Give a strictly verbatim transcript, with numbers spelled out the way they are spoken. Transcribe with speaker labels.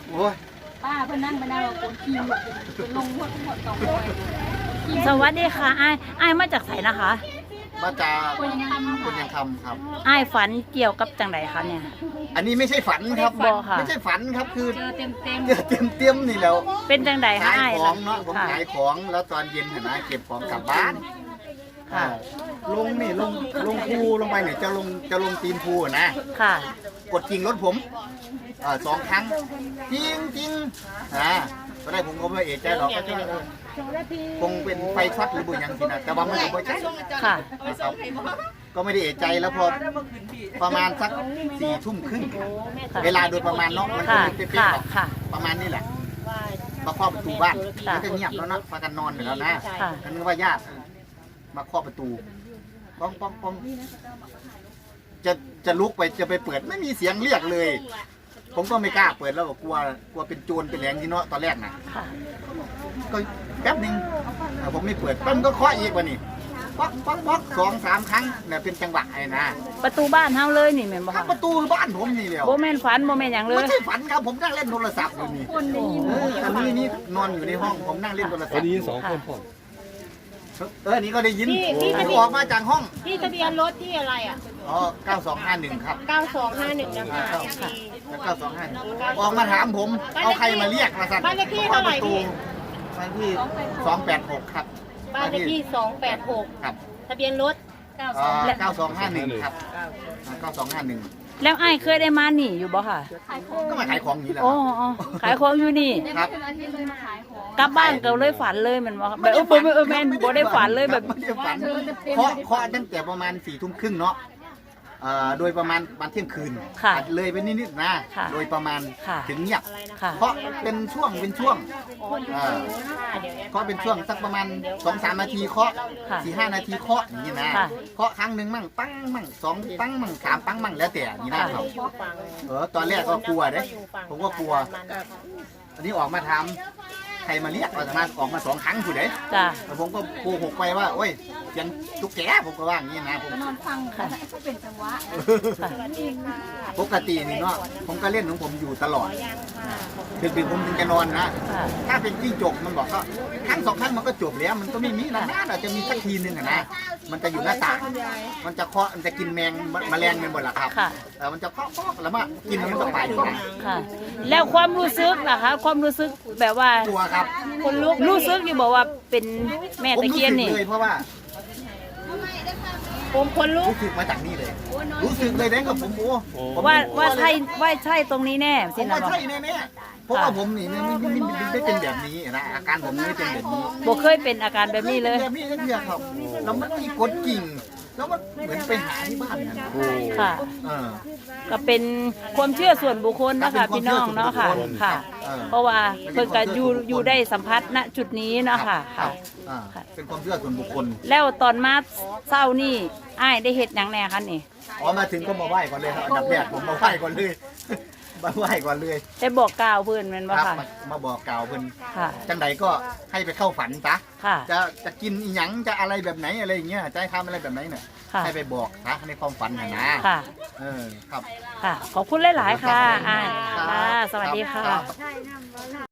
Speaker 1: โอ้ย
Speaker 2: ป้าเพิ่นนั่งไปนั่งเราคนขี่หมดลงหมดหมดสองร้อย
Speaker 3: สวัสดีค่ะไอ้ไอ้มาจากไสนะคะ
Speaker 1: มาจาก
Speaker 2: คนยังทำ
Speaker 1: คนยังคำครับ
Speaker 3: ไอ้ฝันเกี่ยวกับจังไดคะเนี่ย
Speaker 1: อันนี้ไม่ใช่ฝันครับ
Speaker 3: บ่ค่ะ
Speaker 1: ไม่ใช่ฝันครับคือ
Speaker 2: เจอเต็มเต็ม
Speaker 1: เจอเต็มเต็มนี่แล้ว
Speaker 3: เป็นจังไดคะ
Speaker 1: ขาย
Speaker 3: ไอ้
Speaker 1: ของเนาะผม
Speaker 3: ค่ะ
Speaker 1: ขายของแล้วตอนเย็นเห็นไหมเก็บของกลับบ้าน
Speaker 3: ค่ะ
Speaker 1: อ่าลงนี่ลงลงภูลงไปเนี่ยจะลงจะลงตีนภูนะ
Speaker 3: ค่ะ
Speaker 1: กดกิ่งรถผมเอ่อสองครั้งจริงจริงอ่าตอนแรกผมก็ไม่เอะใจหรอกก็คิดว่าเออคงเป็นไฟช็อตหรือบุญยังสินะแต่ว่ามันก็ไม่ใช่
Speaker 3: ค่ะ
Speaker 1: นะครับก็ไม่ได้เอะใจแล้วพอประมาณสักสี่ทุ่มครึ่งเวลาโดยประมาณเนาะมันก็
Speaker 3: ค่ะ
Speaker 1: ไม่เป๊ะ
Speaker 3: ค่ะ
Speaker 1: ๆหรอก
Speaker 3: ค่ะ
Speaker 1: ประมาณนี้แหละมาเคาะประตูบ้าน
Speaker 3: ค่ะ
Speaker 1: มันก็เงียบแล้วนะพากันนอนอยู่แล้วนะ
Speaker 3: ค่ะ
Speaker 1: ก็นึกว่าญาติมาเคาะประตูป้องป้องป้องจะจะลุกไปจะไปเปิดไม่มีเสียงเรียกเลย ผมก็ไม่กล้าเปิดแล้วกลัวกลัวเป็นโจรเป็นแหลงที่เนาะตอนแรกนะ
Speaker 3: ค่ะ
Speaker 1: ก็แป๊บหนึงเอ่อผมไม่เปิดปั้มก็เคาะอีกว่านี่ป๊อกป๊อกป๊อกสองสามครั้งเนี่ยเป็นจังหวะไอ้นะ
Speaker 3: ประตูบ้านเฮาเลยนี่แม่นบ่
Speaker 1: ข้าง
Speaker 3: คะ
Speaker 1: ประตูบ้านผมนี่เดียว
Speaker 3: บ่แม่นฝันบ่แม่นหยังเล
Speaker 1: ไม่
Speaker 3: ย
Speaker 1: ใช่ฝันครับผมนั่งเล่นโทรศัพท์อยู่นี่
Speaker 2: คนได้ยิน
Speaker 1: เอออันนี้นี่นอนอยู่ในห้องผมนั่งเล่นโทรศัพ
Speaker 4: วัน
Speaker 1: ท์
Speaker 4: นี้สองคนพ่อ
Speaker 1: เอออันนี้ก็ได้ยิน
Speaker 5: พี่พี่จะมี
Speaker 1: ผมออกมาจากห้อง
Speaker 5: พี่ทะเบียนรถที่อะไรอ่ะ
Speaker 1: อ๋อเก้าสองห้าหนึ่งครับ
Speaker 5: เก้าสองห้าหนึ่งนะคะ
Speaker 1: เก้าสองห้าออกมาถามผมเอาใครมาเรียกมาสั่น
Speaker 5: บ้านเลขที่เท่าไหร่พี่
Speaker 1: บ้านเลขที่สองแปดหกครับ
Speaker 5: บ้านเลขที่สองแปดหก
Speaker 1: ครับ
Speaker 5: ทะเบียนรถ
Speaker 2: เก้าสอง
Speaker 1: เก้าสองห้าหนึ่งครับเก้าสองห้าหนึ่ง
Speaker 3: แล้วไอ้เคยได้มานี่อยู่บ่ค่ะ
Speaker 2: ขายของ
Speaker 1: ก็มาขายของอย่างนี้แหละ
Speaker 3: อ๋ออ๋อขายของอยู่นี่
Speaker 1: ครับ
Speaker 2: เป็นอาทิตย์เลยมาขายของ
Speaker 3: กลับบ้านก็เลยฝันเลยแมันบ่แบบเออบ่เออแม่นบ่ได้ฝันเลยแบบ
Speaker 1: ไม่ได้ฝันเคาะเคาะตั้งแต่ประมาณสี่ทุ่มครึ่งเนาะเอ่อโดยประมาณวันเที่ยงคืน
Speaker 3: ค่ะ
Speaker 1: อาจเลยไปนิดๆนะ
Speaker 3: ค่ะ
Speaker 1: โดยประมาณ
Speaker 3: ค่ะ
Speaker 1: ถึงเงียบ
Speaker 3: ค่ะ
Speaker 1: เพราะเป็นช่วงเป็นช่วงเอ่อเคาะเป็นช่วงสักประมาณสองสามนาทีเคาะ
Speaker 3: ค่ะ
Speaker 1: สี่ห้านาทีเคาะอย่างนี้นะ
Speaker 3: ค่ะ
Speaker 1: เคาะครั้งหนึ่งมั่งปั้งมั่งสองปั้งมั่งสามปั้งมั่งแล้วแต่อย่างนี้นะครับเออตอนแรกก็กลัวเด้ผมก็กลัวอันนี้ออกมาทำใครมาเรียกออกมาออกมาสองครั้งผู้ใด
Speaker 3: จ้ะ
Speaker 1: แล้วผมก็โกหกไปว่าโอ้ยเสียงตุ๊กแกผมก็ว่าอย่างนี้นะผม
Speaker 2: นอนฟังค่ะก็เป็นจังหวะ
Speaker 1: ปกตินี่เนาะผมก็เล่นของผมอยู่ตลอดดึกๆผมถึงจะนอนนะ
Speaker 3: ค่ะ
Speaker 1: ถ้าเป็นจิ้งจกมันบอกก็ครั้งสองครั้งมันก็จบแล้วมันก็ไม่มีนะน่าจะมีสักทีนึงอะนะมันจะอยู่หน้าต่างมันจะเคาะมันจะกินแมงแมลงเป็นหมดละครับ
Speaker 3: ค่ะ
Speaker 1: แต่มันจะเคาะเคาะแล้วมากินแล้วมันก็ไปนะ
Speaker 3: ค่ะ แล้วความรู้สึกล่ะคะ ความรู้สึกแบบว่า
Speaker 1: ตัวครับ
Speaker 3: คนลุกรู้สึกอยู่บอกว่าเป็นแม่
Speaker 1: ผม
Speaker 3: ตะ
Speaker 1: รู้
Speaker 3: เคียน
Speaker 1: สึก
Speaker 3: นี่
Speaker 1: เลยเพราะว่า
Speaker 5: ผมคนลุก
Speaker 1: รู้สึกมาจากนี่เลย รู้สึกเลยนะกับผมโอ้ผม
Speaker 3: ว่าว่าใช่ว่าใช่ตรงนี้แน่
Speaker 1: ผ
Speaker 3: สิ
Speaker 1: ม
Speaker 3: นะ
Speaker 1: ว่า
Speaker 3: บอก
Speaker 1: ใช่แน่ๆเพราะว่าผมนี่ไม่ไม่ไม่ไม่ไม่เป็นแบบนี้นะอาการผมไม่เป็นแบบนี้
Speaker 3: บ่เคยเป็นอาการแบบนี้เลย
Speaker 1: แบบนี้เดียวครับแล้วมันมีกดกิ่งแล้วมันเหมือนไปหาที่บ้านนั่น
Speaker 3: ค่ะ
Speaker 1: เออ
Speaker 3: ก็เป็นความเชื่อส่วนบุคคลนะ
Speaker 1: ครั
Speaker 3: คะ
Speaker 1: บเป็น
Speaker 3: พี่น้องเนาะค่ะ
Speaker 1: ความเชื่อส่วนบุคคล
Speaker 3: ค่ะ
Speaker 1: เออ
Speaker 3: เพราะว่าเพิ่นก็อยู่อยู่ได้สัมผัสณจุดนี้เนาะค่ะ
Speaker 1: ครั
Speaker 3: ค่ะ
Speaker 1: บอ่าเป็นความเชื่อส่วนบุคคล
Speaker 3: แล้วตอนมาเศร้านี่อ้ายได้เฮ็ดหยังแหน่คะนี่
Speaker 1: อ๋อมาถึงก็มาไหว้ก่อนเลยครับอันดับแรกผมมาไหว้ก่อนเลย มาไหว้ก่อนเลย
Speaker 3: ได้บอกกล่าวเพิ่นแม่นบ่
Speaker 1: ครับ
Speaker 3: ค่ะ
Speaker 1: มามาบอกกล่าวเพิ่น
Speaker 3: ค่ะ
Speaker 1: จังใดก็ให้ไปเข้าฝันซะ
Speaker 3: ค่ะ
Speaker 1: จะจะกินอีหยังจะอะไรแบบไหนอะไรอย่างเงี้ยจะให้ทำอะไรแบบไหนเนี่ย
Speaker 3: ค่ะ
Speaker 1: ให้ไปบอกนะในความฝันนะนะ
Speaker 3: ค่ะ
Speaker 1: เออครับ
Speaker 3: ค่ะ ขอบคุณหลายๆค่ะอ้าย
Speaker 1: รับ
Speaker 3: ค่ะ สวัสดีค่ะ
Speaker 1: รับ